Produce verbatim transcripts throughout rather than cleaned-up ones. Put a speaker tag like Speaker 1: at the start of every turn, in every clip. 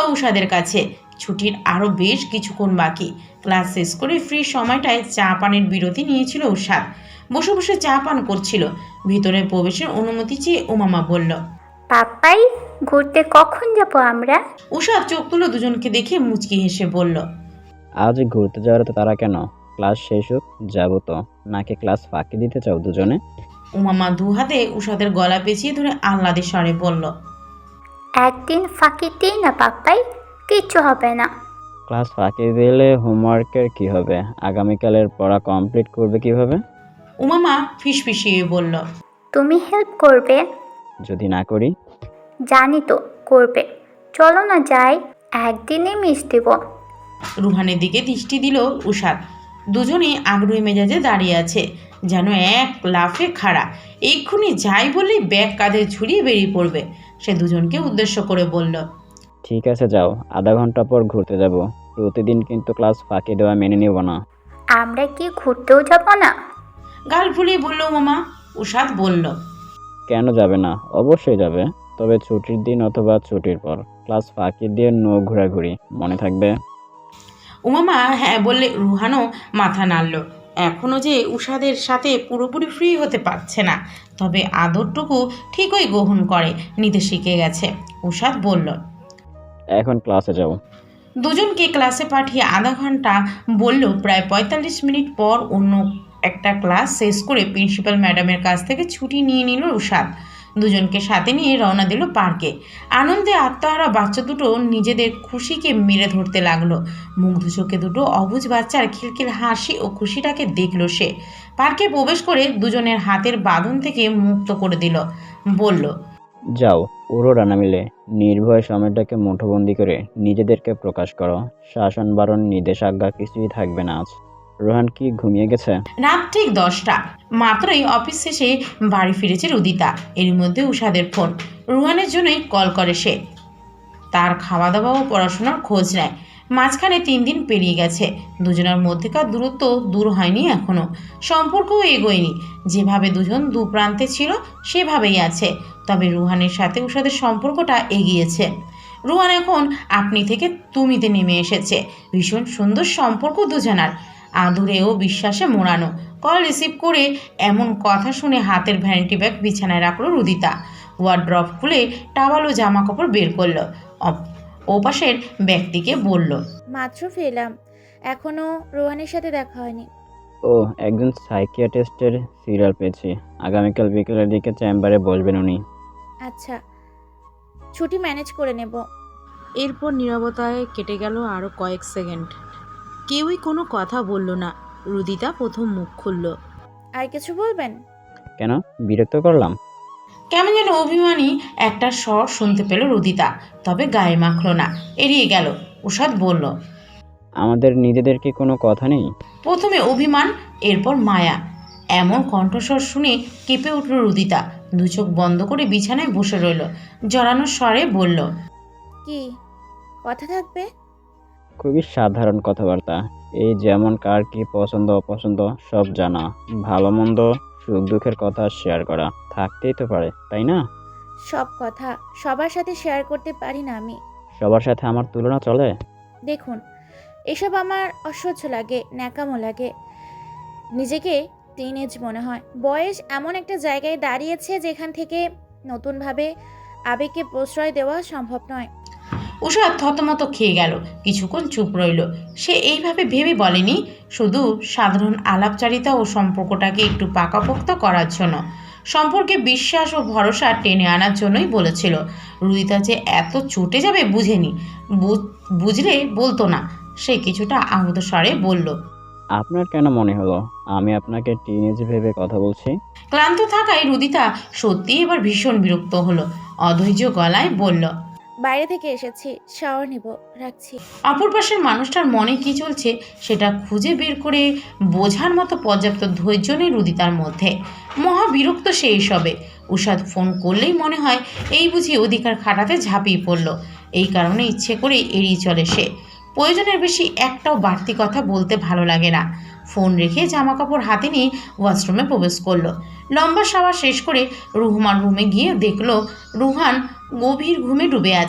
Speaker 1: উষাদের কাছে। ছুটির আরও বেশ কিছুক্ষণ বাকি। ক্লাস শেষ করে ফ্রি সময়টায় চা পানের বিরতি নিয়েছিল উষাদ। বসে বসে চা পান করছিল। ভিতরে প্রবেশের অনুমতি চেয়ে উমামা বলল,
Speaker 2: পাপ্পাই, ঘুরতে কখন যাব আমরা?
Speaker 1: উষাদ চোখ তুলে দুজনকে দেখে মুচকি হেসে বলল,
Speaker 3: আজ ঘুরতে যাওয়ার তো তারা কেন? ক্লাস শেষ হোক, যাবো তো। নাকি ক্লাস ফাঁকি দিতে চাও দুজনে?
Speaker 1: উমামা দু হাতে উষাদের গলা পেঁচিয়ে ধরে আহ্লাদে স্বরে বলল,
Speaker 2: একদিন ফাঁকি দিই না পাপ্পাই, কিচ্ছু হবে না।
Speaker 3: ক্লাস ফাঁকি দিলে হোমওয়ার্কের কি হবে? আগামীকালের পড়া কমপ্লিট করবে কিভাবে?
Speaker 1: উমামা ফিসফিসিয়ে বলল,
Speaker 2: তুমি হেল্প করবে?
Speaker 3: যদি না করি?
Speaker 2: জানি তো করবে। চলো না যাই, একদিনে মিস দেব।
Speaker 1: রুহানের দিকে দৃষ্টি দিল উষাদ। দুজনেই আগ্রহী মেজাজে দাঁড়িয়ে আছে, যেন এক লাফে খাড়া। এক্ষুনি যাই বললেই ব্যাগ কাঁধে ঝুলিয়ে বেরিয়ে পড়বে। সে দুজনকে উদ্দেশ্য করে বলল,
Speaker 3: ঠিক আছে যাও, আধা ঘন্টা পর ঘুরতে যাব। প্রতিদিন কিন্তু ক্লাস ফাঁকি দেওয়া মেনে নিব না।
Speaker 2: আমরা কি ঘুরতেও যাব না?
Speaker 1: গাল ফুলিয়ে বলল মামা। উষাদ বলল,
Speaker 3: কেন যাবে না? অবশ্যই যাবে, তবে ছুটির দিন অথবা ছুটির পর। ক্লাস ফাঁকি দিয়ে নো ঘোরাঘুরি, মনে থাকবে?
Speaker 1: উমামা হ্যাঁ বললে রুহানও মাথা নাড়ল। এখনও যে উষাদের সাথে পুরোপুরি ফ্রি হতে পারছে না, তবে আদরটুকু ঠিকই গ্রহণ করে নিতে শিখে গেছে। উষাদ বলল,
Speaker 3: এখন ক্লাসে যাও।
Speaker 1: দুজনকে ক্লাসে পাঠিয়ে আধা ঘন্টা বলল প্রায় পঁয়তাল্লিশ মিনিট পর অন্য একটা ক্লাস শেষ করে প্রিন্সিপাল ম্যাডামের কাছ থেকে ছুটি নিয়ে নিল উষাদ। দুজনকে সাথে নিয়ে রওনা দিল পার্কে। আনন্দে আত্মহারা বাচ্চা দুটো নিজেদের খুশিকে মেরে ধরতে লাগলো। মুগ্ধ চোখে দুটো অবুঝ বাচ্চার খিলখিল হাসি ও খুশিটাকে দেখল সে। পার্কে প্রবেশ করে দুজনের হাতের বাঁধন থেকে মুক্ত করে দিল। বলল,
Speaker 3: যাও, পুরো রানা মিলে নির্ভয় সময়টাকে মুঠোবন্দি করে নিজেদেরকে প্রকাশ করো। শাসন বারণ নির্দেশাজ্ঞা কিছুই থাকবে না আজ। রোহান কি ঘুমিয়ে গেছে?
Speaker 1: রাত ঠিক দশটা। মাত্রই অফিস শেষে বাড়ি ফিরেছে রুদিতা। এর মধ্যে উষাদের ফোন। রুহানের জন্যই কল করে সে। তার খাওয়া দাওয়া ও পড়াশোনার খোঁজ নেয়। মাঝখানে তিন দিন পেরিয়ে গেছে। দুজনের মধ্যেকার দূরত্ব দূর হয়নি এখনও। সম্পর্কও এগোয়নি। যেভাবে দুজন দু প্রান্তে ছিল সেভাবেই আছে। তবে রুহানের সাথে উষাদের সম্পর্কটা এগিয়েছে। রুহান এখন আপনি থেকে তুমিতে নেমে এসেছে। ভীষণ সুন্দর সম্পর্ক দুজনার, আদুরে ও বিশ্বাসে মোড়ানো। কল রিসিভ করে এমন কথা শুনে হাতের ভ্যানিটি ব্যাগ বিছানায় রাখলো রুদিতা। ওয়ার্ড্রপ খুলে টাওয়াল ও জামা কাপড় বের করলো। ওপাশের ব্যক্তিকে বলল,
Speaker 4: মাত্র ফেলাম, এখনো রোহানের সাথে দেখা হয়নি।
Speaker 3: ও, একজন সাইকিয়াট্রিস্টের সিরিয়াল পেয়েছি। আগামীকাল বিকেলের দিকে চেম্বারে বসবেন উনি।
Speaker 4: আচ্ছা, ছুটি ম্যানেজ করে নেব।
Speaker 1: এরপর নীরবতায় কেটে গেল আরও কয়েক সেকেন্ড। কেউই কোনো কথা বলল না। রুদিতা প্রথম মুখ খুলল,
Speaker 4: আর কিছু বলবেন?
Speaker 3: কেন, বিরক্ত করলাম?
Speaker 1: কেমন যেন অভিমানী একটা স্বর শুনতে পেল রুদিতা, তবে গায়ে মাখল না, এড়িয়ে গেল। উষাদ বলল,
Speaker 3: আমাদের নিজেদের কি কোনো কথা নেই?
Speaker 1: প্রথমে অভিমান, এরপর মায়া। এমন কণ্ঠস্বর শুনে কেঁপে উঠল রুদিতা। দু চোখ বন্ধ করে বিছানায় বসে রইল। জড়ানো স্বরে বলল,
Speaker 4: কি কথা থাকবে?
Speaker 3: খুবই সাধারণ কথাবার্তা। এই যেমন কার কি পছন্দ অপছন্দ সব জানা, ভালো মন্দ সুখ দুঃখের কথা শেয়ার করা থাকতেই তো পারে, তাই না?
Speaker 4: সব কথা সবার সাথে শেয়ার করতে পারি না আমি।
Speaker 3: সবার সাথে আমার তুলনা চলে?
Speaker 4: দেখুন, এসব আমার অসহ্য লাগে, ন্যাকামো লাগে। নিজেকে টিনেজ মনে হয়। বয়স এমন একটা জায়গায় দাঁড়িয়েছে যেখান থেকে নতুনভাবে আবেগকে প্রশ্রয় দেওয়া সম্ভব নয়।
Speaker 1: উষাদ থতমত খেয়ে গেল। কিছুক্ষণ চুপ রইল। সে এইভাবে ভেবে বলেনি, শুধু সাধারণ আলাপচারিতা ও সম্পর্কটাকে একটু পাকাপোক্ত করার জন্য। সম্পর্কে বিশ্বাস ও ভরসা টেনে আনার জন্যই বলেছিল। রুদিতা যে এত চটে যাবে বুঝেনি। বুঝলে বলতো না। সে কিছুটা আহত স্বরে বলল,
Speaker 3: আপনার কেন মনে হলো আমি আপনাকে টিনেজ ভেবে কথা বলছি?
Speaker 1: ক্লান্ত থাকায় রুদিতা সত্যি এবার ভীষণ বিরক্ত হলো। অধৈর্য গলায় বলল,
Speaker 4: বাইরে থেকে এসেছি, শাওয়ার নিব, রাখছি।
Speaker 1: অপর পাশের মানুষটার মনে কি চলছে সেটা খুঁজে বের করে বোঝার মতো পর্যাপ্ত ধৈর্য নেই রুদিতার মধ্যে। মহা বিরক্ত সে এসবে। উষাদ ফোন করলেই মনে হয় এই বুঝি অধিকার খাটাতে ঝাঁপিয়ে পড়ল। এই কারণে ইচ্ছে করে এড়িয়ে চলে সে। প্রয়োজনের বেশি একটাও বাড়তি কথা বলতে ভালো লাগে না। ফোন রেখে জামা কাপড় হাতে নিয়ে ওয়াশরুমে প্রবেশ করলো। লম্বা শাওয়ার শেষ করে রুহমান রুমে গিয়ে দেখলো রুহান গভীর ঘুমে ডুবে আছে।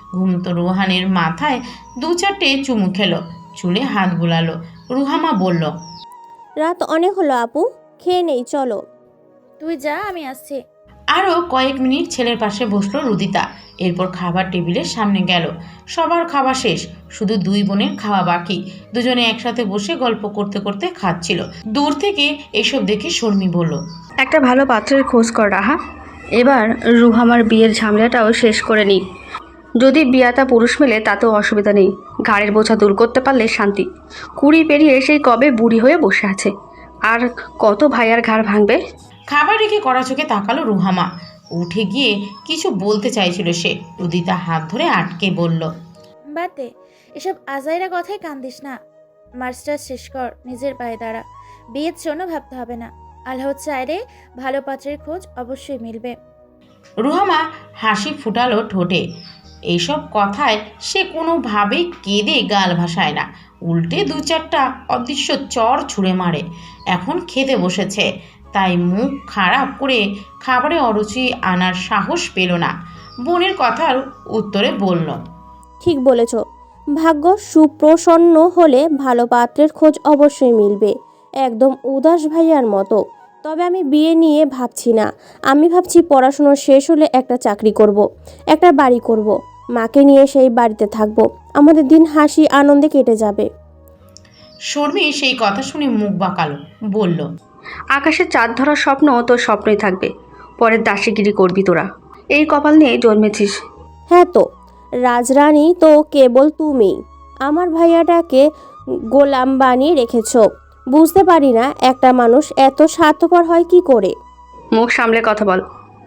Speaker 1: ঘুমতো রুহানের মাথায় দু চারটে চুমু খেলো, চুলে হাত বুলালো। রুহামা বলল,
Speaker 5: রাত অনেক হলো আপু, খেয়ে নেই চলো।
Speaker 4: তুই যা, আমি আসছি।
Speaker 1: আরও কয়েক মিনিট ছেলের পাশে বসলো রুদিতা। এরপর খাবার টেবিলের সামনে গেল। সবার খাওয়া শেষ, শুধু দুই বোনের খাওয়া বাকি। দুজনে একসাথে বসে গল্প করতে করতে খাচ্ছিল। দূর থেকে এসব দেখে শর্মি বলল,
Speaker 6: একটা ভালো পাত্রের খোঁজ কর রাহা। এবার রুহামার বিয়ের ঝামেলাটাও শেষ করে নিই। যদি বিয়াতা পুরুষ মেলে তাতেও অসুবিধা নেই, ঘাড়ের বোঝা দূর করতে পারলে শান্তি। কুড়ি পেরিয়ে সেই কবে বুড়ি হয়ে বসে আছে, আর কত ভাইয়ার ঘাড় ভাঙবে।
Speaker 1: খাবার রেখে কড়া চোখে তাকালো রুহামা। উঠে গিয়ে কিছু বলতে চাইছিল সে, রুদিতা হাত ধরে আটকে বলল,
Speaker 4: বাদ দে, এসব আজাইরা কথায় কান দিস না। মাস্টার শেষ কর, নিজের পায়ে দাঁড়া। বিয়ের জন্য ভাবতে হবে না। আল্লাহ চাইলে ভালো পাত্রের খোঁজ অবশ্যই মিলবে।
Speaker 1: রুহামা হাসি ফুটালো ঠোঁটে। এইসব কথায় সে কোনোভাবেই কেঁদে গাল ভাসায় না, উল্টে দু চারটা অদৃশ্য চর ছুঁড়ে মারে। এখন খেতে বসেছে, তাই মুখ খারাপ করে খাবারে অরুচি আনার সাহস পেল না। বোনের কথার উত্তরে বলল,
Speaker 5: ঠিক বলেছ, ভাগ্য সুপ্রসন্ন হলে ভালো পাত্রের খোঁজ অবশ্যই মিলবে, একদম উদাস ভাইয়ার মতো। তবে আমি বিয়ে নিয়ে ভাবছি না, আমি ভাবছি পড়াশুনো শেষ হলে একটা চাকরি করব, একটা বাড়ি করব, মাকে নিয়ে সেই বাড়িতে থাকবো, আমাদের দিন হাসি আনন্দে কেটে যাবে।
Speaker 1: শর্মি সেই কথা শুনে মুখ বাঁকালো, বলল,
Speaker 6: আকাশে চাঁদ ধরার স্বপ্ন তোর স্বপ্নই থাকবে, পরের দাসীগিরি করবি তোরা। এই কপাল নিয়ে জন্মেছিস।
Speaker 5: হ্যাঁ তো, রাজরানী তো কেবল তুমি। আমার ভাইয়াটাকে গোলাম বানিয়ে রেখেছ। বুঝতে পারি না একটা মানুষ এত স্বার্থপর হয় কি করে।
Speaker 6: মুখ সামলে কথা বল।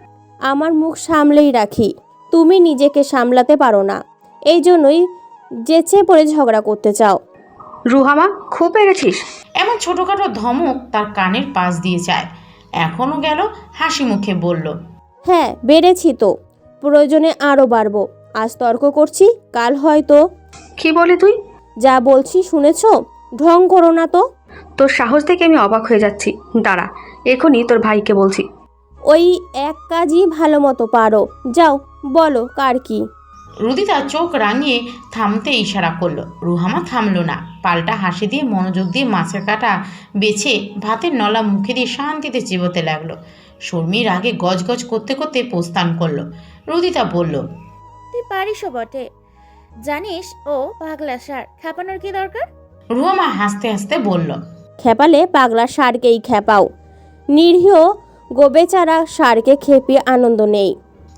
Speaker 5: আমার মুখ সামলেই রাখি, তুমি নিজেকে সামলাতে পারো না, এই জন্যই যেচে পড়ে ঝগড়া করতে চাও।
Speaker 6: রুহামা, খুব পেরেছিস।
Speaker 1: এমন ছোটোখাটো ধমক তার কানের পাশ দিয়ে যায়। এখনও গেল হাসি মুখে বলল,
Speaker 5: হ্যাঁ বেড়েছি তো, প্রয়োজনে আরও বাড়বো। আজ তর্ক করছি, কাল হয়তো।
Speaker 6: কি বলি তুই?
Speaker 5: যা বলছি শুনেছ, ঢং করো না তো।
Speaker 6: তোর সাহস দেখে আমি অবাক হয়ে যাচ্ছি। দাঁড়া, এখনই তোর ভাইকে বলছি।
Speaker 5: ওই এক কাজই ভালো মতো পারো, যাও বলো কার কি।
Speaker 1: রুদিতা চোখ রাঙিয়ে থামতে ইশারা করলো। রুহামা থামলো না, পাল্টা হাসি দিয়ে মনোযোগ দিয়ে মাছের কাঁটা বেছে ভাতের নলা মুখে দিয়ে শান্তিতে চিবোতে লাগলো। শর্মির আগে গজগজ করতে করতে প্রস্থান করলো। রুদিতা বলল,
Speaker 4: তুই পারিসও বটে, জানিস ও পাগলা সার, খাপানোর কি দরকার?
Speaker 1: রুহামা হাসতে হাসতে বলল,
Speaker 5: খেপালে পাগলা ষাঁড়কেই খেপাও, নিরীহ গোবেচারা ষাঁড়কে খেপিয়ে আনন্দ নেই।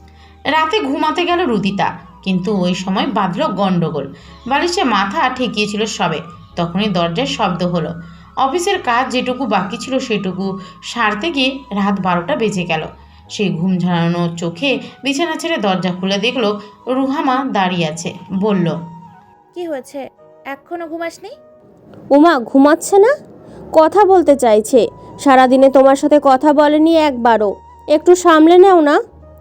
Speaker 1: রাতে ঘুমাতে গেল রুদিতা, কিন্তু ওই সময় বাঁধল গন্ডগোল। বালিশে মাথা ঠেকিয়েছিল সবে, তখনই দরজার শব্দ হলো। অফিসের কাজ যেটুকু বাকি ছিল সেটুকু সারতে গিয়ে রাত বারোটা বেজে গেল। সেই ঘুম ঝাড়ানো চোখে বিছানা ছেড়ে দরজা খুলে দেখলো রুহামা দাঁড়িয়ে আছে। বলল,
Speaker 4: কি হয়েছে, এখনো ঘুমাসনি?
Speaker 5: উমা ঘুমাচ্ছে না, কথা বলতে চাইছে। সারাদিনে তোমার সাথে কথা বলেনি একবারও, একটু সামলে নাও না।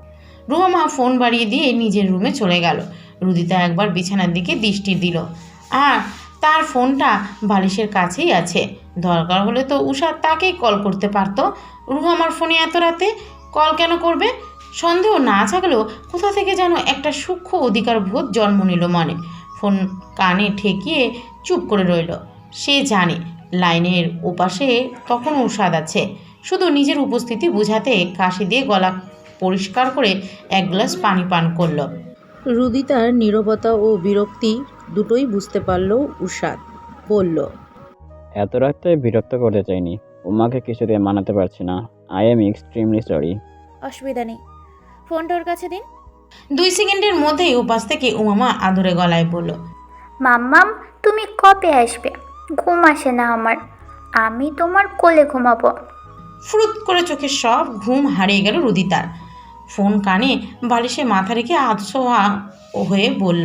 Speaker 1: রুহামা ফোন বাড়িয়ে দিয়ে নিজের রুমে চলে গেল। রুদিতা একবার বিছানার দিকে দৃষ্টি দিল, আর তার ফোনটা বালিশের কাছেই আছে। দরকার হলে তো উষা তাকেই কল করতে পারতো। রুহামার ফোনে এত রাতে কল কেন করবে? সন্দেহ না থাকলেও কোথা থেকে যেন একটা সূক্ষ্ম অধিকার বোধ জন্ম নিল মনে। ফোন কানে ঠেকিয়ে চুপ করে রইল। সে জানে লাইনের ওপাশে তখনও উষাদ আছে, শুধু নিজের উপস্থিতি বোঝাতে কাশি দিয়ে গলা পরিষ্কার করে এক গ্লাস পানি পান করল।
Speaker 7: রুদিতার নীরবতা ও বিরক্তি দুটোই বুঝতে পারল উষাদ। বলল,
Speaker 3: এত রাতে বিরক্ত করতে চাইনি, উমাকে কিছুতে মানাতে পারছি না। I am extremely sorry.
Speaker 4: অসুবিধা নেই, ফোনটা ওর কাছে দিন।
Speaker 1: দুই সেকেন্ডের মধ্যেই উপাস থেকে উমামা আদরে গলায় বলল,
Speaker 2: মাম্মাম তুমি কবে আসবে? ঘুম আসে না আমার, আমি তোমার কোলে ঘুমাবো।
Speaker 1: ফুরুত করে চোখে সব ঘুম হারিয়ে গেল রুদিতার। ফোন কানে বালিশে মাথা রেখে আধশোয়া হয়ে বলল,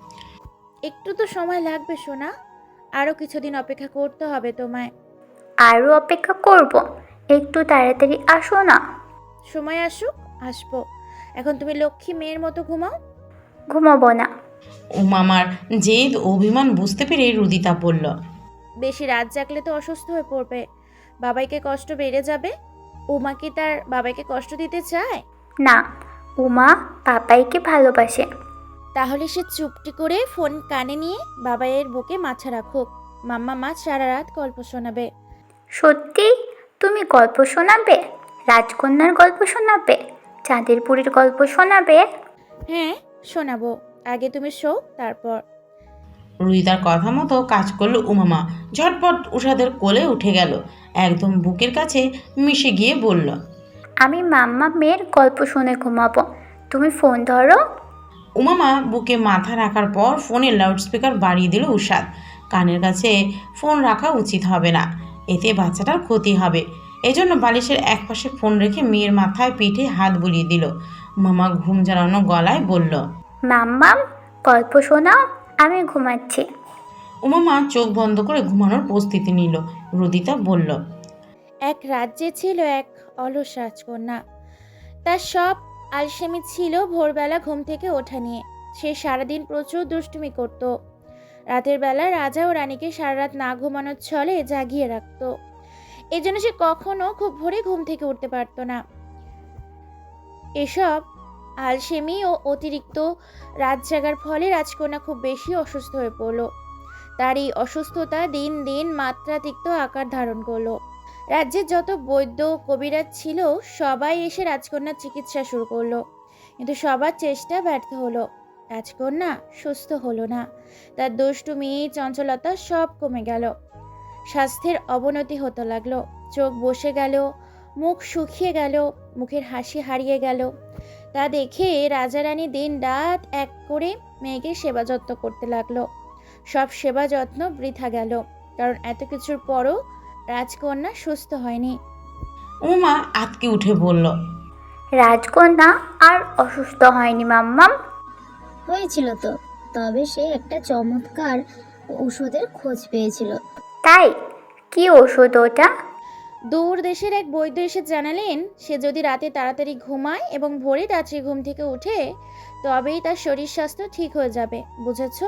Speaker 4: একটু তো সময় লাগবে সোনা, আরও কিছুদিন অপেক্ষা করতে হবে তোমায়।
Speaker 2: আরও অপেক্ষা করব, একটু তাড়াতাড়ি আসো না।
Speaker 4: সময় আসুক, আসবো। এখন তুমি লক্ষ্মী মেয়ের মতো ঘুমাও।
Speaker 2: ঘুমাবো না।
Speaker 1: উমামার জেদ অভিমান বুঝতে পেরে রুদিতা বলল,
Speaker 4: বেশি রাত জাগলে তো অসুস্থ হয়ে পড়বে, বাবাইকে কষ্ট বেড়ে যাবে। উমা কি তার বাবাইকে কষ্ট দিতে চায়?
Speaker 2: না, উমা পাপাইকে ভালোবাসে।
Speaker 4: তাহলে সে চুপটি করে ফোন কানে নিয়ে বাবাইয়ের বুকে মাথা রাখুক। মাম্মা মা সারা রাত গল্প শোনাবে।
Speaker 2: সত্যি তুমি গল্প শোনাবে? রাজকন্যার গল্প শোনাবে? চাঁদের বুড়ির গল্প শোনাবে?
Speaker 4: হ্যাঁ শোনাবো, আগে তুমি শো তারপর।
Speaker 1: রুদিতার কথা মতো কাজ করলো উমামা। ঝটপট উষাদের কোলে উঠে গেল, একদম বুকের কাছে মিশে গিয়ে বলল,
Speaker 2: আমি মাম্মা মেয়ের গল্প শুনে ঘুমাবো, তুমি ফোন ধরো।
Speaker 1: উমামা বুকে মাথা রাখার পর ফোনের লাউডস্পিকার বাড়িয়ে দিল উষাদ। কানের কাছে ফোন রাখা উচিত হবে না, এতে বাচ্চাটার ক্ষতি হবে। এজন্য বালিশের একপাশে ফোন রেখে মেয়ের মাথায় পিঠে হাত বুলিয়ে দিল। উমামা ঘুম জ্বালানো গলায় বলল,
Speaker 2: মাম্মাম গল্প শোনাও, আমি ঘুমাচ্ছি।
Speaker 1: উমামা চোখ বন্ধ করে ঘুমানোর প্রস্তুতি নিল। রুদিতা বলল,
Speaker 4: এক রাজ্যে ছিল এক অলস রাজকন্যা। তার সব আলসেমি ছিল ভোরবেলা ঘুম থেকে ওঠা নিয়ে। সে সারাদিন প্রচুর দুষ্টুমি করত। রাতের বেলা রাজা ও রানীকে সারা রাত না ঘুমানোর ছলে জাগিয়ে রাখত। এই জন্য সে কখনো খুব ভোরে ঘুম থেকে উঠতে পারত না। এসব আলসেমি ও অতিরিক্ত রাত জাগার ফলে রাজকন্যা খুব বেশি অসুস্থ হয়ে পড়ল। তার এই অসুস্থতা দিন দিন মাত্রাতিরিক্ত আকার ধারণ করলো। রাজ্যের যত বৈদ্য কবিরাজ ছিল সবাই এসে রাজকন্যার চিকিৎসা শুরু করলো, কিন্তু সবার চেষ্টা ব্যর্থ হলো। রাজকন্যা সুস্থ হলো না। তার দুষ্টুমি চঞ্চলতা সব কমে গেল। স্বাস্থ্যের অবনতি হতে লাগলো। চোখ বসে গেল, মুখ শুকিয়ে গেল, মুখের হাসি হারিয়ে গেল। তা দেখে রাজা রানী দিন রাত এক করে মেয়েকে সেবা যত্ন করতে লাগলো। সব সেবা যত্ন বৃথা গেল, কারণ এত কিছুর পরও রাজকন্যা সুস্থ হয়নি।
Speaker 1: উমা আতকে উঠে বলল,
Speaker 2: রাজকন্যা আর অসুস্থ হয়নি মাম্মাম।
Speaker 8: হয়েছিল তো, তবে সে একটা চমৎকার ওষুধের খোঁজ পেয়েছিল।
Speaker 2: তাই? কি ওষুধ ওটা?
Speaker 4: দূর দেশের এক বৈদ্য এসে জানালেন, সে যদি রাতে তাড়াতাড়ি ঘুমায় এবং ভোরে রাত্রি ঘুম থেকে উঠে তবেই তার শরীর স্বাস্থ্য ঠিক হয়ে যাবে। বুঝেছ?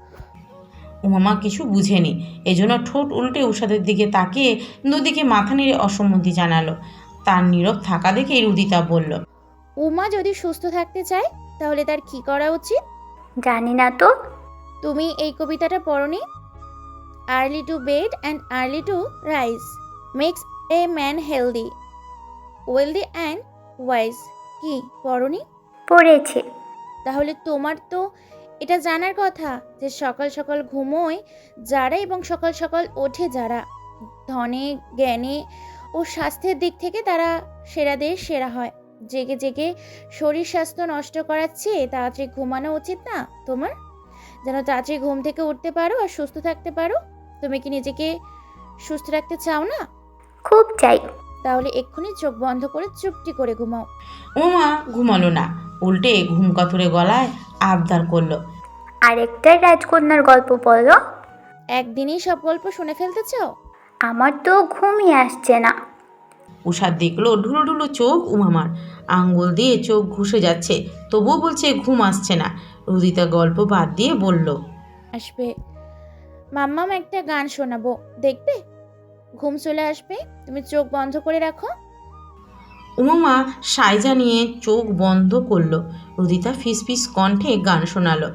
Speaker 1: উমামা কিছু বুঝেনি, এজন্য ঠোঁট উল্টে উষাদের দিকে তাকিয়ে দুদিকে মাথা নেড়ে অসম্মতি জানালো। তার নীরব থাকা দেখে রুদিতা বলল,
Speaker 4: উমা যদি সুস্থ থাকতে চায় তাহলে তার কি করা উচিত?
Speaker 2: জানি না তো।
Speaker 4: তুমি এই কবিতাটা পড়নি? Early to bed and early to rise makes a man healthy, wealthy and wise. কি পড়নি?
Speaker 2: পড়েছি।
Speaker 4: তাহলে তোমার তো এটা জানার কথা যে সকাল সকাল ঘুমোয় যারা এবং সকাল সকাল ওঠে যারা, ধনে জ্ঞানে ও স্বাস্থ্যের দিক থেকে তারা সেরাদের সেরা হয়। জেগে জেগে শরীর স্বাস্থ্য নষ্ট করার চেয়ে তাড়াতাড়ি ঘুমানো উচিত না তোমার? যেন তাড়াতাড়ি ঘুম থেকে উঠতে পারো আর সুস্থ থাকতে পারো। তুমি কি নিজেকে সুস্থ রাখতে চাও না?
Speaker 2: খুব চাই।
Speaker 4: তাহলে এক্ষুনি চোখ বন্ধ করে চুপটি করে ঘুমাও।
Speaker 1: উমা ঘুমালো না, উল্টে ঘুম কাতুরে গলায় আবদার করলো,
Speaker 2: আরেকটা রাজকন্যার গল্প বলো।
Speaker 4: একদিনই সব গল্প শুনে ফেলতে চাও?
Speaker 2: আমার তো ঘুমই আসছে না।
Speaker 1: উষাদ দেখলো ঢুলো ঢুলো চোখ উমামার, আঙ্গুল দিয়ে চোখ ঘুষে যাচ্ছে, তবুও বলছে ঘুম আসছে না। রুদিতা গল্প বাদ দিয়ে বলল,
Speaker 4: আসবে। মাম্মাম একটা গান শোনাবো, দেখবে? ঘুম চলে আসবে, তুমি চোখ বন্ধ করে রাখো।
Speaker 1: উমামা সাইজা নিয়ে চোখ বন্ধ করলো। রুদিতা ফিস ফিস কণ্ঠে গান শোনালো,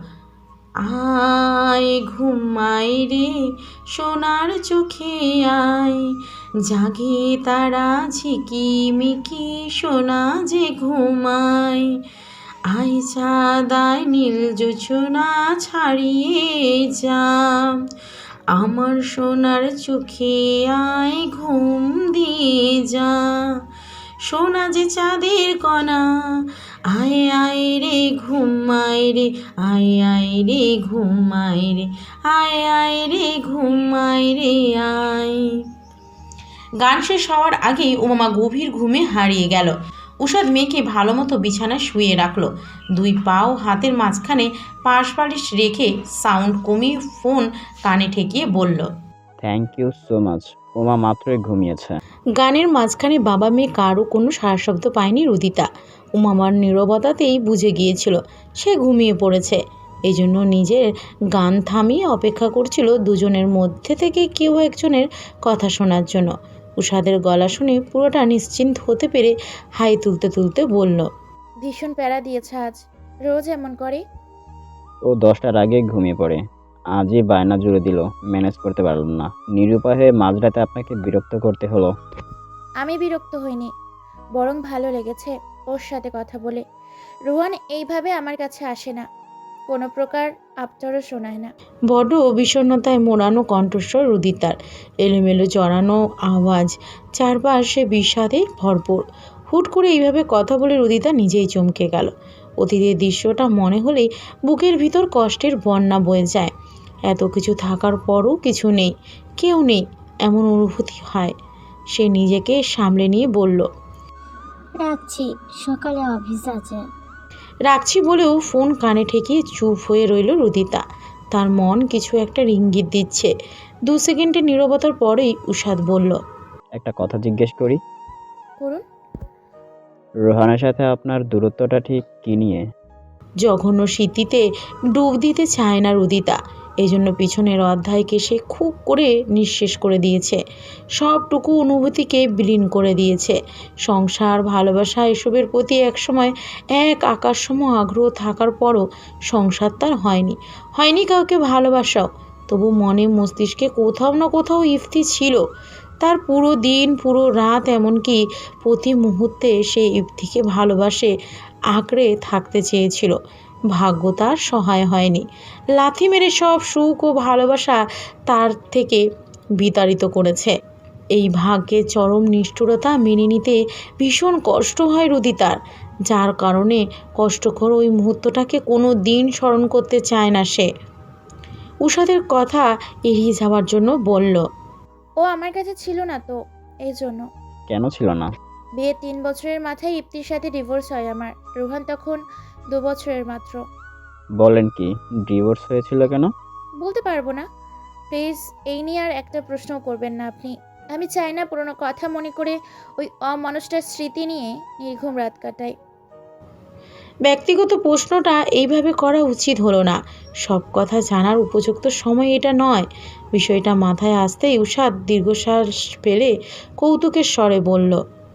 Speaker 1: আয় ঘুমাই রে সোনার চোখে আয়, জাগে তারা ঝিকিমিকি সোনা যে ঘুমায়, আয় চাঁদায় নীল জোছনা ছাড়িয়ে যা, আমার সোনার চোখে আয় ঘুম দিয়ে যা, সোনা যে চাঁদের কণা, আয় আয় রে ঘুমায় রে, আয় আয় রে ঘুমায় রে, আয় আয় রে ঘুমায় রে আয়। গান শেষ হওয়ার আগেই উমামা গভীর ঘুমে হারিয়ে গেল। উষাদ মেয়েকে ভালো মতো বিছানায় শুয়ে রাখলো। দুই পাও হাতের মাঝখানে পাশ বালিশ রেখে সাউন্ড কমিয়ে ফোন কানে ঠেকিয়ে বলল,
Speaker 3: thank you so much. Uma মাত্রই ঘুমিয়েছে।
Speaker 7: গানের মাঝখানে বাবা মেয়ে কারও কোনো সারা শব্দ পায়নি রুদিতা। উমামার নীরবতাতেই বুঝে গিয়েছিল সে ঘুমিয়ে পড়েছে। এই জন্য নিজের গান থামিয়ে অপেক্ষা করছিল দুজনের মধ্যে থেকে কেউ একজনের কথা শোনার জন্য। উষাদের গলা শুনে পুরোটা নিশ্চিন্ত হতে পেরে হাই তুলতে তুলতে বলল,
Speaker 4: ভীষণ প্যারা দিয়েছে আজ, রোজ এমন করে।
Speaker 3: ও দশটার আগে ঘুমিয়ে পড়ে। আজই বায়না জুড়ে দিল, ম্যানেজ করতে পারলাম না। নিরুপায় হয়ে মাঝরাতে আপনাকে বিরক্ত করতে হলো।
Speaker 4: আমি বিরক্ত হইনি, বরং ভালো লেগেছে ওর সাথে কথা বলে। রোহান এইভাবে আমার কাছে আসে না, কোনো প্রকার আবদারও শোনায় না।
Speaker 7: বড্ড বিষণ্ণতায় মোড়ানো কণ্ঠস্বর রুদিতার, এলোমেলো জড়ানো আওয়াজ, চারপাশে বিষাদে ভরপুর। হুট করে এইভাবে কথা বলে রুদিতা নিজেই চমকে গেল। অতীতের দৃশ্যটা মনে হলেই বুকের ভিতর কষ্টের বন্যা বয়ে যায়। এত কিছু থাকার পরও কিছু নেই, কেউ নেই, এমন অনুভূতি হয়। সে নিজেকে সামলে নিয়ে বলল,
Speaker 8: রাখছি, সকালে অফিস আছে।
Speaker 7: রাখছি বলেও ফোন কানে ঠেকিয়ে চুপ হয়ে রইল রুদিতা। তার মন কিছু একটা ইঙ্গিত দিচ্ছে। দু সেকেন্ডের নীরবতার পরেই উষাদ বলল,
Speaker 3: একটা কথা জিজ্ঞেস করি,
Speaker 4: করুন।
Speaker 3: রোহানের সাথে আপনার দূরত্বটা ঠিক কী নিয়ে?
Speaker 7: জঘন্য স্মৃতিতে ডুব দিতে চায় না রুদিতা, এজন্য পিছনের অধ্যায়কে সে খুব করে নিঃশেষ করে দিয়েছে। সবটুকু অনুভূতিকে বিলীন করে দিয়েছে। সংসার, ভালোবাসা এসবের প্রতি একসময় এক আকাশসম আগ্রহ থাকার পরও সংসার তার হয়নি, হয়নি কাউকে ভালোবাসাও। তবু মনে মস্তিষ্কে কোথাও না কোথাও ইফতি ছিল। তার পুরো দিন, পুরো রাত, এমনকি প্রতি মুহূর্তে সে ইফতিকে ভালোবাসে আঁকড়ে থাকতে চেয়েছিল। ভাগ্য তার সহায় হয়নি। লাথি মেরে সব সুখ ও ভালোবাসা তার থেকে বিতাড়িত করেছে। এই ভাগ্যের চরম নিষ্ঠুরতা মেনে নিতে ভীষণ কষ্ট হয় রুদিতার, যার কারণে কষ্টকর ওই মুহূর্তটাকে কোনো দিন স্মরণ করতে চায় না সে। উষাদের কথা এড়িয়ে যাওয়ার জন্য বলল,
Speaker 4: ও আমার কাছে ছিল না তো, এই জন্য।
Speaker 3: কেন ছিল না?
Speaker 4: বিয়ে তিন বছরের মাথায় ইপ্তির সাথে ডিভোর্স হয় আমার। রোহান তখন দু বছরের মাত্র।
Speaker 3: বলেন কি, ডিভোর্স হয়েছিল কেন?
Speaker 4: বলতে পারবো না, প্লিজ এই নিয়ে আর একটা প্রশ্নও করবেন না আপনি। আমি চাই না পুরোনো কথা মনে করে ওই অমানুষটার স্মৃতি নিয়ে নির্ঘুম রাত কাটাই।
Speaker 7: ব্যক্তিগত প্রশ্নটা এইভাবে করা উচিত হলো না। সব কথা জানার উপযুক্ত সময় এটা নয়। বিষয়টা মাথায় আসতেই উষাদ দীর্ঘশ্বাস ফেলে কৌতুকের স্বরে বলল,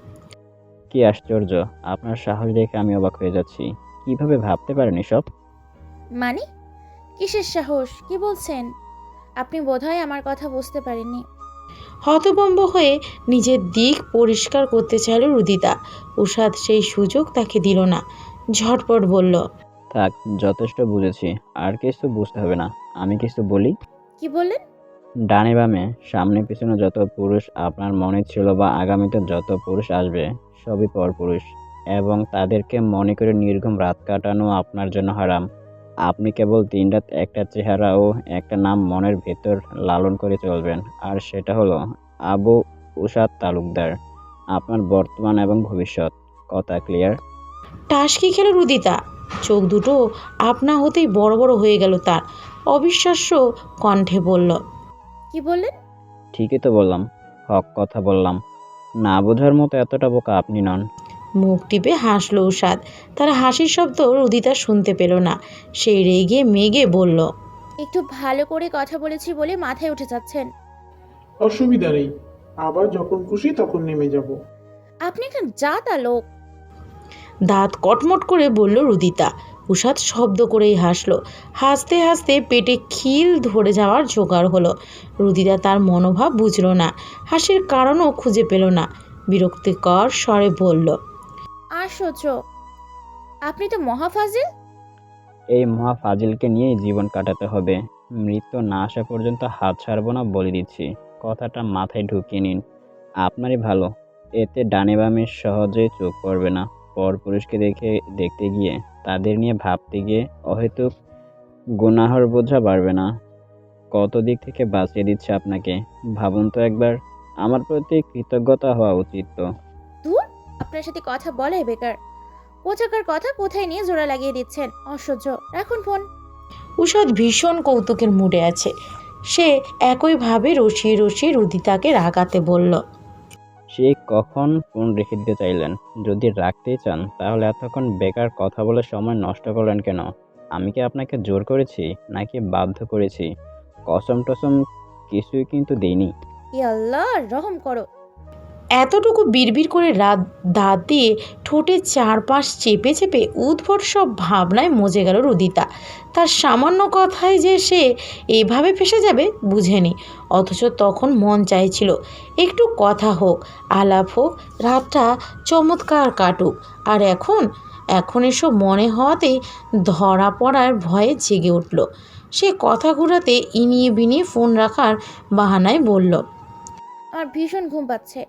Speaker 3: কি আশ্চর্য, আপনার সাহস দেখে আমি অবাক হয়ে যাচ্ছি। কিভাবে ভাবতে পারেন এসব?
Speaker 4: মানে কিসের সাহস, কি বলছেন? আপনি বোধহয় আমার কথা বুঝতে পারেননি।
Speaker 7: হতভম্ব হয়ে নিজের দিক পরিষ্কার করতে চাইল রুদিতা। উষাদ সেই সুযোগ তাকে দিল না। ঝটপট বলল,
Speaker 3: থাক, যথেষ্ট বুঝেছি, আর কিছু বুঝতে হবে না। আমি কিছু বলি?
Speaker 4: কি বললেন?
Speaker 3: ডানে বামে সামনে পিছনে যত পুরুষ আপনার মনে ছিল বা আগামীতে যত পুরুষ আসবে, সবই পরপুরুষ, এবং তাদেরকে মনে করে নির্ঘুম রাত কাটানো আপনার জন্য হারাম। আপনি কেবল দিন রাত একটা চেহারা ও একটা নাম মনের ভেতর লালন করে চলবেন, আর সেটা হলো আবু উষাদ তালুকদার, আপনার বর্তমান এবং ভবিষ্যৎ। কথা ক্লিয়ার?
Speaker 7: টাসকি খেল রুদিতা। চোখ দুটো আপনা হতেই বড় বড় হয়ে গেল তার। অবিশ্বাস্য কণ্ঠে বলল,
Speaker 4: কি বললেন?
Speaker 3: ঠিকই তো বললাম, হক কথা বললাম। না বোঝার মতো এতটা বোকা আপনি নন।
Speaker 7: মুখ টিপে হাসল উষাদ। তার হাসির শব্দ রুদিতা শুনতে পেল না। সেই রেগে মেগে বলল,
Speaker 4: একটু ভালো করে কথা বলেছি বলে মাথায় উঠে যাচ্ছেন।
Speaker 9: অসুবিধা নেই, আবার যখন খুশি তখন নেমে যাব।
Speaker 4: আপনি একটা জাতা লোক।
Speaker 7: দাঁত কটমট করে বলল রুদিতা। উষাদ শব্দ করেই হাসল। হাসতে হাসতে পেটে খিল ধরে যাওয়ার জোগাড় হলো। রুদিতা তার মনোভাব বুঝল না, হাসির কারণও খুঁজে পেল না। বিরক্তিকর স্বরে বলল,
Speaker 4: আশ্চর্য, আপনি তো মহাফাজিল।
Speaker 3: এই মহা ফাজিলকে নিয়েই জীবন কাটাতে হবে। মৃত্যু না আসা পর্যন্ত হাত ছাড়বো না বলে দিচ্ছি। কথাটা মাথায় ঢুকিয়ে নিন, আপনারই ভালো। এতে ডানে বামে সহজেই চোখ পড়বে না। পরপুরুষকে দেখে দেখতে গিয়ে, তাদের নিয়ে ভাবতে গিয়ে অহেতুক গুনাহর বোঝা বাড়বে না। কত দিক থেকে বাঁচিয়ে দিচ্ছে আপনাকে, ভাবুন তো একবার। আমার প্রতি কৃতজ্ঞতা হওয়া উচিত তো।
Speaker 4: দূর, আপনার সাথে কথা বলাই বেকার। কোথাকার কথা কোথায় নিয়ে জোড়া লাগিয়ে দিচ্ছেন, অসহ্য। রাখুন ফোন।
Speaker 7: উষাদ ভীষণ কৌতুকের মুডে আছে। সে একইভাবে রসিয়ে রসিয়ে রুদিতাকে রাগাতে বলল,
Speaker 3: সে কখন ফোন রেখে দিতে চাইলেন? যদি রাখতেই চান তাহলে এতক্ষণ বেকার কথা বলে সময় নষ্ট করলেন কেন? আমি কি আপনাকে জোর করেছি নাকি বাধ্য করেছি? কসম টসম কিছুই কিন্তু দেইনি।
Speaker 4: ই আল্লাহ, রহম করো।
Speaker 7: এতটুকু বিড়বিড় করে রাত দাঁত দিয়ে ঠোঁটের চারপাশ চেপে চেপে উদ্ভট সব ভাবনায় মজে গেল রুদিতা। তার সামান্য কথায় যে সে এভাবে ফেসে যাবে বুঝেনি, অথচ তখন মন চাইছিল একটু কথা হোক, আলাপ হোক, রাতটা চমৎকার কাটুক। আর এখন এখন এসব মনে হওয়াতেই ধরা পড়ার ভয়ে জেগে উঠল। সে কথা ঘুরাতে ইনিয়ে বিনিয়ে ফোন রাখার বাহানায় বলল,
Speaker 4: আমার ভীষণ ঘুম পাচ্ছে।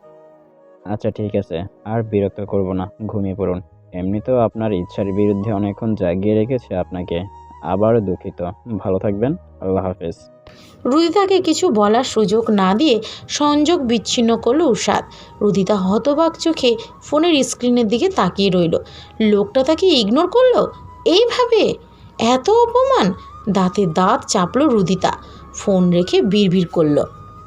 Speaker 3: আচ্ছা ঠিক আছে, আর বিরক্ত করব না, ঘুমিয়ে পড়ুন। এমনিতেও আপনার ইচ্ছার বিরুদ্ধে অনেকক্ষণ জাগিয়ে রেখেছে আপনাকে। আবারও দুঃখিত। ভালো থাকবেন। আল্লাহ হাফেজ।
Speaker 7: রুদিতাকে কিছু বলার সুযোগ না দিয়ে সংযোগ বিচ্ছিন্ন করলো উষাদ। রুদিতা হতবাক চোখে ফোনের স্ক্রিনের দিকে তাকিয়ে রইল। লোকটা তাকে ইগনোর করলো এইভাবে? এত অপমান! দাঁতে দাঁত চাপলো রুদিতা। ফোন রেখে বিড়বিড় করলো,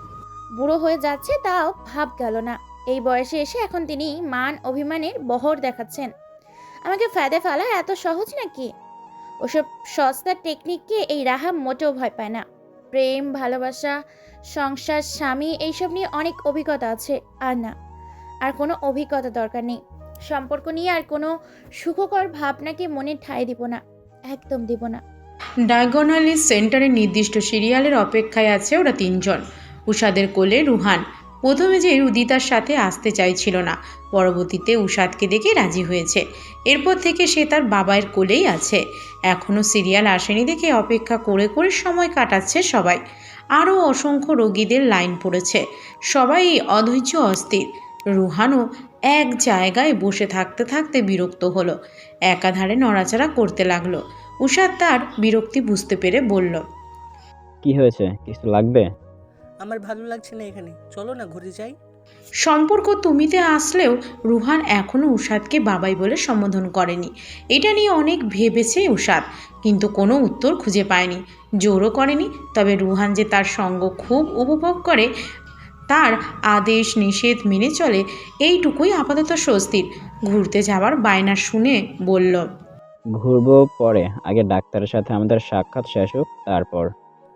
Speaker 4: বুড়ো হয়ে যাচ্ছে তাও ভাব গেল না। এই বয়সে এসে এখন তিনি মান অভিমানের বহর দেখাচ্ছেন। আমাকে ফায়দে ফেলা এত সহজ নাকি? ওসব সস্তা টেকনিককে এই রাহা মোটেও ভয় পায় না। প্রেম, ভালোবাসা, সংসার, স্বামী এইসব নিয়ে অনেক অভিজ্ঞতা আছে। আর না, আর কোনো অভিজ্ঞতা দরকার নেই। সম্পর্ক নিয়ে আর কোনো সুখকর ভাবনাকে মনে ঠাঁই দিব না, একদম দিব না।
Speaker 1: ডায়াগোনালি সেন্টারের নির্দিষ্ট সিরিয়ালের অপেক্ষায় আছে ওরা তিনজন। উষাদের কোলে রুহান। প্রথমে যে রুদিতার সাথে আসতে চাইছিল না, পরবর্তীতে উষাদকে দেখে রাজি হয়েছে। এরপর থেকে সে তার বাবার কোলেই আছে। এখনও সিরিয়াল আসেনি দেখে অপেক্ষা করে করে সময় কাটাচ্ছে সবাই। আরও অসংখ্য রোগীদের লাইন পড়েছে। সবাই অধৈর্য, অস্থির। রুহানও এক জায়গায় বসে থাকতে থাকতে বিরক্ত হলো। একাধারে নড়াচড়া করতে লাগলো। উষাদ তার বিরক্তি বুঝতে পেরে বলল,
Speaker 3: কি হয়েছে? কিছু লাগবে?
Speaker 10: আমার ভালো লাগছে না এখানে, চলো না ঘুরে যাই।
Speaker 1: সম্পর্ক তুমিতে আসলেও রুহান এখনও উষাদকে বাবাই বলে সম্বোধন করেনি। এটা নিয়ে অনেক ভেবেছে উষাদ, কিন্তু কোনো উত্তর খুঁজে পায়নি। জোরও করেনি। তবে রুহান যে তার সঙ্গ খুব উপভোগ করে, তার আদেশ নিষেধ মেনে চলে, এইটুকুই আপাতত স্বস্তির। ঘুরতে যাওয়ার বায়না শুনে বলল,
Speaker 3: ঘুরবো পরে, আগে ডাক্তারের সাথে আমাদের সাক্ষাৎ শেষ হোক, তারপর।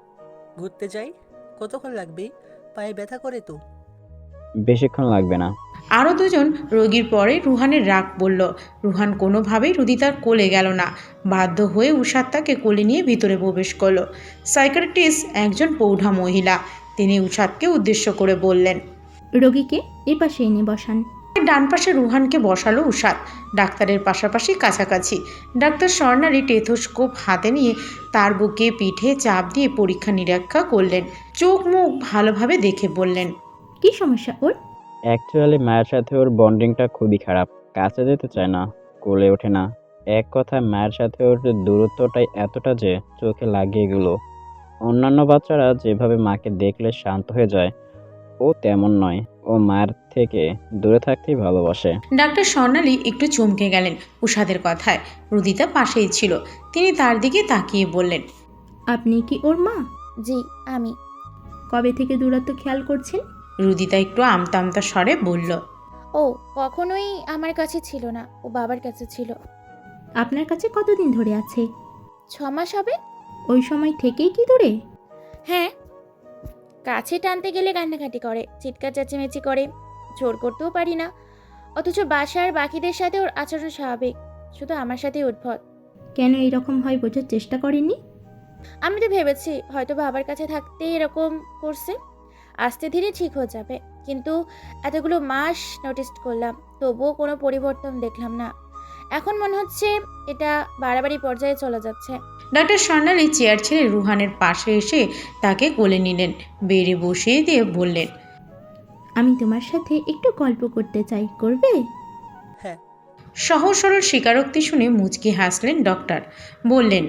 Speaker 10: ঘুরতে যাই? কতক্ষণ লাগবে? পায়ে ব্যথা করে তো।
Speaker 3: বেশিক্ষণ লাগবে না।
Speaker 1: আরও দুজন রোগীর পরে রুহানের রাগ বলল। রুহান কোনোভাবেই রুদিতার কোলে গেল না। বাধ্য হয়ে উষাদ তাকে কোলে নিয়ে ভিতরে প্রবেশ করলো। সাইকিয়াট্রিস্ট একজন প্রৌঢ়া মহিলা। তিনি উষাদকে উদ্দেশ্য করে বললেন,
Speaker 11: রোগীকে এ পাশে এনে বসান।
Speaker 1: ডান পাশে রুহানকে বসালো উষাদ, ডাক্তারের পাশাপাশি কাছাকাছি। ডাক্তার স্বর্ণালী টেথোস্কোপ হাতে নিয়ে তার বুকে পিঠে চাপ দিয়ে পরীক্ষা নিরীক্ষা করলেন। চোখ মুখ ভালোভাবে দেখে বললেন,
Speaker 11: কি সমস্যা ওর?
Speaker 3: অ্যাকচুয়ালি মায়ের সাথে ওর বন্ডিংটা খুবই খারাপ। কাছে যেতে চায় না, কোলে ওঠে না। এক কথায় মায়ের সাথে ওর দূরত্বটাই এতটা যে চোখে লাগিয়ে গেল। অন্যান্য বাচ্চারা যেভাবে মাকে দেখলে শান্ত হয়ে যায়, ও তেমন নয়। ও মায়ের থেকে দূরে থাকতেই ভালোবাসে।
Speaker 1: ডাক্তার স্বর্ণালী একটু চমকে গেলেন উষাদের কথায়। রুদিতা পাশেই ছিল। তিনি তার দিকে তাকিয়ে বললেন,
Speaker 11: আপনি কি ওর মা?
Speaker 4: জি, আমি।
Speaker 11: কবে থেকে দূরত্ব খেয়াল করছেন?
Speaker 1: রুদিতা একটু আমতা আমতা স্বরে বলল,
Speaker 4: ও কখনোই আমার কাছে ছিল না, ও বাবার কাছে ছিল।
Speaker 11: আপনার কাছে কতদিন ধরে আছে?
Speaker 4: ছ মাস হবে।
Speaker 11: ওই সময় থেকেই কি দূরে?
Speaker 4: হ্যাঁ, কাছে টানতে গেলে কান্নাকাটি করে, চিৎকার চেঁচামেচি করে। জোর করতেও পারি না। অথচ বাসার বাকিদের সাথে ওর আচরণ স্বাভাবিক, শুধু আমার সাথেই উদ্ভট।
Speaker 11: কেন এরকম হয় বোঝার চেষ্টা করেননি?
Speaker 4: আমি তো ভেবেছি হয়তো বাবার কাছে থাকতেই এরকম করছে, আস্তে ধীরে ঠিক হয়ে যাবে। কিন্তু এতগুলো মাস নোটিস করলাম, তবুও কোনো পরিবর্তন দেখলাম না। এখন মনে হচ্ছে এটা বাড়াবাড়ি পর্যায়ে চলে যাচ্ছে।
Speaker 1: ডাক্তার স্বর্ণালী চেয়ার ছেড়ে রুহানের পাশে এসে তাকে কোলে নিলেন। বেড়ে বসিয়ে দিয়ে বললেন,
Speaker 11: আমি তোমার সাথে একটু গল্প করতে চাই, করবে?
Speaker 10: হ্যাঁ।
Speaker 1: সহজ সরল স্বীকারোক্তি শুনে মুচকি হাসলেন ডক্টর। বললেন,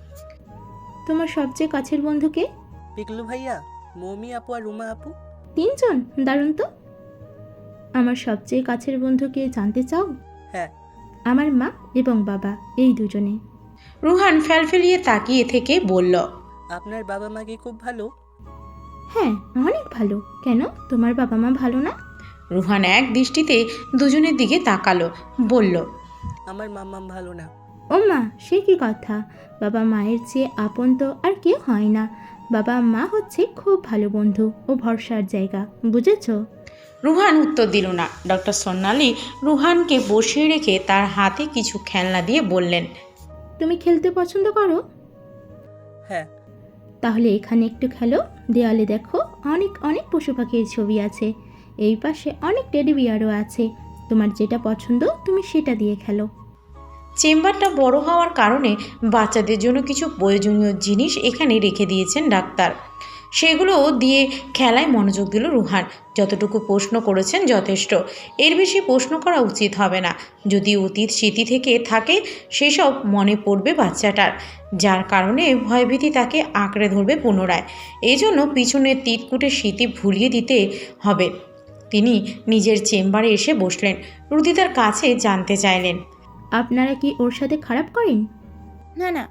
Speaker 11: তোমার সবচেয়ে কাছের বন্ধুকে?
Speaker 10: পিকলু ভাইয়া, মৌমি আপু আর রুমা আপু।
Speaker 11: তিনজন? দারুণ তো। আমার সবচেয়ে কাছের বন্ধুকে জানতে চাও?
Speaker 10: হ্যাঁ।
Speaker 11: আমার মা এবং বাবা, এই দুজনে।
Speaker 1: রুহান ফেলফেলিয়ে তাকিয়ে থেকে বলল,
Speaker 10: আপনার বাবা মা কি খুব ভালো?
Speaker 11: হ্যাঁ, অনেক ভালো। কেন, তোমার বাবা মা ভালো না?
Speaker 1: রুহান এক দৃষ্টিতে দুজনের দিকে তাকালো, বলল,
Speaker 10: আমার মাম্মাম ভালো না।
Speaker 11: ও মা, সে কি কথা? বাবা মায়ের চেয়ে আপন তো আর কেউ হয় না। বাবা মা হচ্ছে খুব ভালো বন্ধু ও ভরসার জায়গা, বুঝেছ?
Speaker 1: রুহান উত্তর দিল না। ডক্টর সোনালি রুহানকে বসিয়ে রেখে তার হাতে কিছু খেলনা দিয়ে বললেন,
Speaker 11: তুমি খেলতে পছন্দ করো?
Speaker 10: হ্যাঁ।
Speaker 11: তাহলে এখানে একটু খেলো। দেয়ালে দেখো অনেক অনেক পশু পাখির ছবি আছে। এই পাশে অনেক টেডি বিয়ারও আছে। তোমার যেটা পছন্দ তুমি সেটা দিয়ে খেলো।
Speaker 1: চেম্বারটা বড় হওয়ার কারণে বাচ্চাদের জন্য কিছু প্রয়োজনীয় জিনিস এখানে রেখে দিয়েছেন ডাক্তার। সেগুলো দিয়ে খেলায় মনোযোগ দিল রুহান। যতটুকু প্রশ্ন করেছেন যথেষ্ট, এর বেশি প্রশ্ন করা উচিত হবে না। যদি অতীত স্মৃতি থেকে থাকে সেসব মনে পড়বে বাচ্চাটার, যার কারণে ভয়ভীতি তাকে আঁকড়ে ধরবে পুনরায়। এই জন্য পিছনের তিতকুটে স্মৃতি ভুলিয়ে দিতে হবে। তিনি নিজের চেম্বারে এসে বসলেন। রুদিতার কাছে জানতে চাইলেন,
Speaker 11: আপনারা কি ওর সাথে খারাপ করেন?
Speaker 4: না না,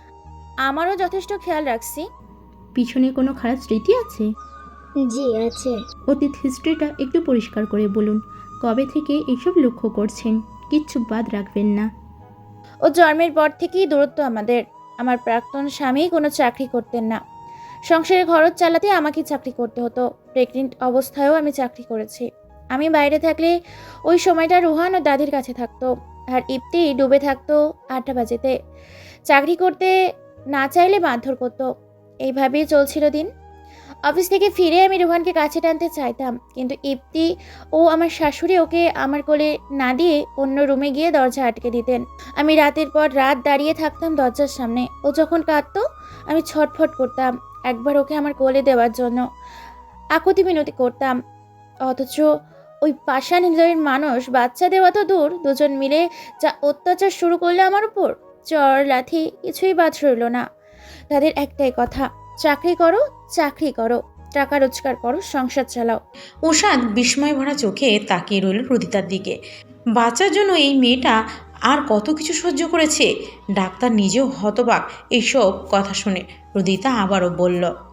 Speaker 4: আমারও যথেষ্ট খেয়াল রাখছি।
Speaker 11: পিছনে কোনো খারাপ স্মৃতি আছে?
Speaker 8: জি আছে।
Speaker 11: অতীত হিস্ট্রিটা একটু পরিষ্কার করে বলুন। কবে থেকে এসব লক্ষ্য করছেন? কিচ্ছু বাদ রাখবেন না।
Speaker 4: ও জন্মের পর থেকেই দূরত্ব আমাদের। আমার প্রাক্তন স্বামী কোনো চাকরি করতেন না। সংসারের খরচ চালাতে আমাকে চাকরি করতে হতো। প্রেগনেন্ট অবস্থায়ও আমি চাকরি করেছি। আমি বাইরে থাকলে ওই সময়টা রুহান ও দাদির কাছে থাকতো, আর ইপ্তি ডুবে থাকতো আটটা বাজেতে। চাকরি করতে না চাইলে মারধর করতো। এইভাবেই চলছিল দিন। অফিস থেকে ফিরে আমি রুহানকে কাছে টানতে চাইতাম, কিন্তু ইপ্তি ও আমার শাশুড়ি ওকে আমার কোলে না দিয়ে অন্য রুমে গিয়ে দরজা আটকে দিতেন। আমি রাতের পর রাত দাঁড়িয়ে থাকতাম দরজার সামনে। ও যখন কাঁদতো আমি ছটফট করতাম একবার ওকে আমার কোলে দেওয়ার জন্য, আকুতি মিনতি করতাম। অথচ ওই পাষাণ হৃদয়ের মানুষ, বাচ্চা দেওয়া তো দূর, দুজন মিলে যা অত্যাচার শুরু করলো আমার উপর, চর লাথি কিছুই বাদ রইল না। তাদের একটাই কথা, চাকরি করো, চাকরি করো, টাকা রোজগার করো, সংসার চালাও।
Speaker 1: উষাদ বিস্ময় ভরা চোখে তাকিয়ে রইল রুদিতার দিকে। বাচ্চার জন্য এই মেয়েটা আর কত কিছু সহ্য করেছে। ডাক্তার নিজেও হতবাক এইসব কথা শুনে। রুদিতা আবারও বলল,